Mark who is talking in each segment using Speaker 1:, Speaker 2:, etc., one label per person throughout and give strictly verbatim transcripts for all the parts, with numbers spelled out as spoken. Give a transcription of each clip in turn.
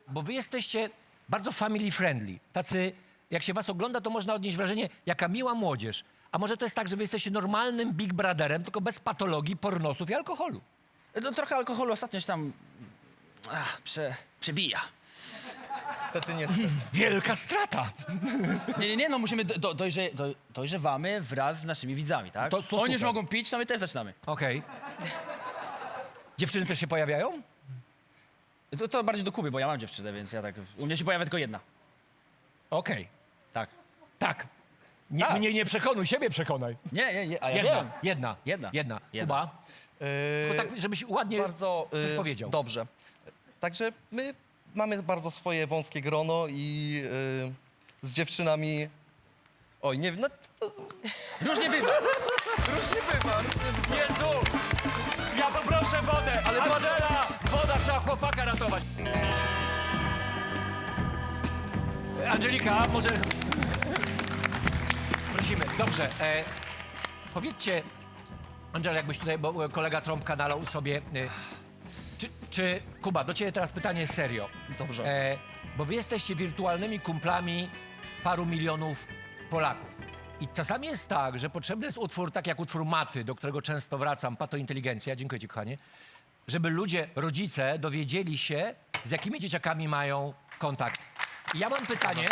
Speaker 1: bo wy jesteście bardzo family friendly. Tacy, jak się was ogląda, to można odnieść wrażenie, jaka miła młodzież. A może to jest tak, że wy jesteście normalnym Big Brotherem, tylko bez patologii, pornosów i alkoholu?
Speaker 2: No trochę alkoholu ostatnio się tam ach, prze, przebija.
Speaker 3: Niestety, niestety.
Speaker 1: Wielka strata.
Speaker 2: Nie, nie, nie, no musimy, do, dojrze, do, dojrzewamy wraz z naszymi widzami, tak?
Speaker 1: To- to
Speaker 2: Oni już
Speaker 1: super.
Speaker 2: mogą pić, to my też zaczynamy.
Speaker 1: Okej. Dziewczyny też się pojawiają?
Speaker 2: To, to bardziej do Kuby, bo ja mam dziewczynę, więc ja tak... U mnie się pojawia tylko jedna.
Speaker 1: Okej.
Speaker 2: Tak.
Speaker 1: Tak. Nie,
Speaker 2: Tak.
Speaker 1: Mnie nie przekonuj, siebie przekonaj.
Speaker 2: Nie, nie, nie, a ja
Speaker 1: Jedna,
Speaker 2: wiem.
Speaker 1: jedna,
Speaker 2: Jedna.
Speaker 1: jedna.
Speaker 2: Jedna.
Speaker 1: Kuba,
Speaker 3: Yy,
Speaker 1: tylko tak, żebyś ładnie
Speaker 3: bardzo
Speaker 1: coś
Speaker 3: yy,
Speaker 1: powiedział.
Speaker 3: dobrze. Także my mamy bardzo swoje wąskie grono i yy, z dziewczynami... Oj, nie wiem, no, to
Speaker 2: Różnie bywa.
Speaker 3: różnie bywa.
Speaker 1: Jezu! Ja poproszę wodę! Ale Angela! Woda, trzeba chłopaka ratować. Angelika, może... Prosimy. Dobrze. E, powiedzcie, Angela, jakbyś tutaj, bo kolega Trąbka nalał sobie... E, czy, czy, Kuba, do ciebie teraz pytanie serio.
Speaker 3: Dobrze.
Speaker 1: E, bo wy jesteście wirtualnymi kumplami paru milionów Polaków. I czasami jest tak, że potrzebny jest utwór, tak jak utwór Maty, do którego często wracam, Patointeligencja, dziękuję ci, kochanie, żeby ludzie, rodzice dowiedzieli się, z jakimi dzieciakami mają kontakt. I ja mam pytanie.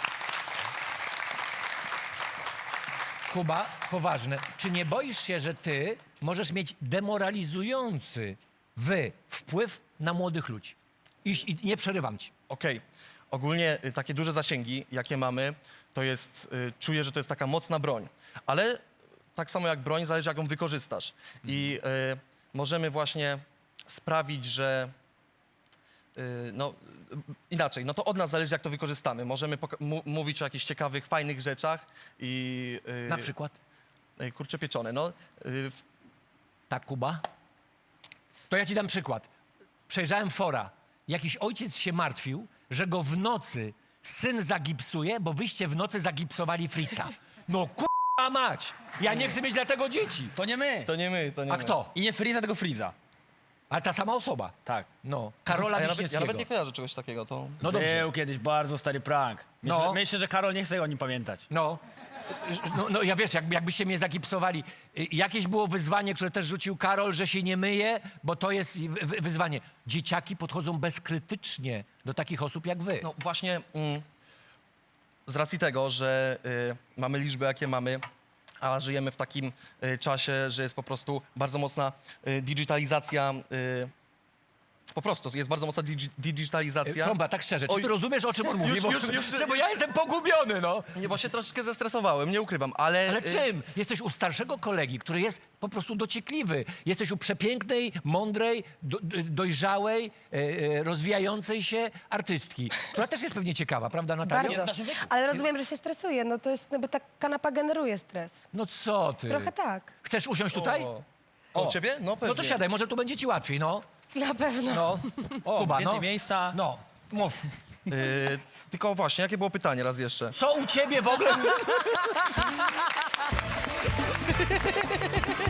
Speaker 1: Kuba, poważne. Czy nie boisz się, że ty możesz mieć demoralizujący wy wpływ na młodych ludzi? I, i nie przerywam ci.
Speaker 3: Okej. Ogólnie y, takie duże zasięgi, jakie mamy, to jest, y, czuję, że to jest taka mocna broń. Ale tak samo jak broń, zależy jak ją wykorzystasz. I y, możemy właśnie sprawić, że y, no y, inaczej, no to od nas zależy jak to wykorzystamy. Możemy poka- mu- mówić o jakichś ciekawych, fajnych rzeczach i... y,
Speaker 1: Na przykład?
Speaker 3: y, kurcze pieczone, no. Y, w-
Speaker 1: Tak, Kuba? To ja ci dam przykład. Przejrzałem fora. Jakiś ojciec się martwił, że go w nocy syn zagipsuje, bo wyście w nocy zagipsowali Fritza. No k***a mać! Ja nie chcę mieć dla tego dzieci.
Speaker 2: To nie my.
Speaker 3: to nie my, to nie
Speaker 1: A
Speaker 3: my.
Speaker 1: kto?
Speaker 2: I nie Friza, tylko Friza.
Speaker 1: Ale ta sama osoba.
Speaker 2: Tak.
Speaker 1: No, Karola
Speaker 3: A ja nawet, ja
Speaker 1: Wiśniewskiego.
Speaker 3: nawet nie kojarzę czegoś takiego, to...
Speaker 1: No dobrze.
Speaker 2: Był kiedyś bardzo stary prank. Myślę,
Speaker 1: No.
Speaker 2: myślę, że Karol nie chce o nim pamiętać.
Speaker 1: No. No, no ja wiesz, jak, jakbyście mnie zagipsowali. Y, Jakieś było wyzwanie, które też rzucił Karol, że się nie myje, bo to jest wy- wy- wyzwanie. Dzieciaki podchodzą bezkrytycznie do takich osób jak wy.
Speaker 3: No właśnie mm, z racji tego, że y, mamy liczby, jakie mamy, a żyjemy w takim y, czasie, że jest po prostu bardzo mocna y, digitalizacja, y, po prostu jest bardzo mocna digi- digitalizacja.
Speaker 1: Trąba, tak szczerze, czy
Speaker 3: Oj.
Speaker 1: ty rozumiesz, o czym on mówi?
Speaker 3: Już,
Speaker 1: bo,
Speaker 3: już, już,
Speaker 1: że, bo ja jestem pogubiony, no.
Speaker 3: Nie, bo się troszeczkę zestresowałem, nie ukrywam, ale...
Speaker 1: Ale
Speaker 3: y,
Speaker 1: czym? Jesteś u starszego kolegi, który jest po prostu dociekliwy. Jesteś u przepięknej, mądrej, do, do- dojrzałej, e, e, rozwijającej się artystki, która też jest pewnie ciekawa, prawda, Natalia?
Speaker 2: w
Speaker 4: Bardzo.
Speaker 2: naszym wieku.
Speaker 4: Ale rozumiem, że się stresuje. No to jest, no bo ta kanapa generuje stres.
Speaker 1: No co ty?
Speaker 4: Trochę tak.
Speaker 1: Chcesz usiąść tutaj?
Speaker 3: O, o,
Speaker 1: O.
Speaker 3: ciebie? No pewnie.
Speaker 1: No to siadaj, może tu będzie ci łatwiej, no.
Speaker 4: Na pewno.
Speaker 1: No,
Speaker 2: O,
Speaker 1: Kuba,
Speaker 2: więcej
Speaker 1: no.
Speaker 2: miejsca.
Speaker 1: No, mów.
Speaker 3: Y, tylko właśnie, jakie było pytanie raz jeszcze?
Speaker 1: Co u ciebie w ogóle...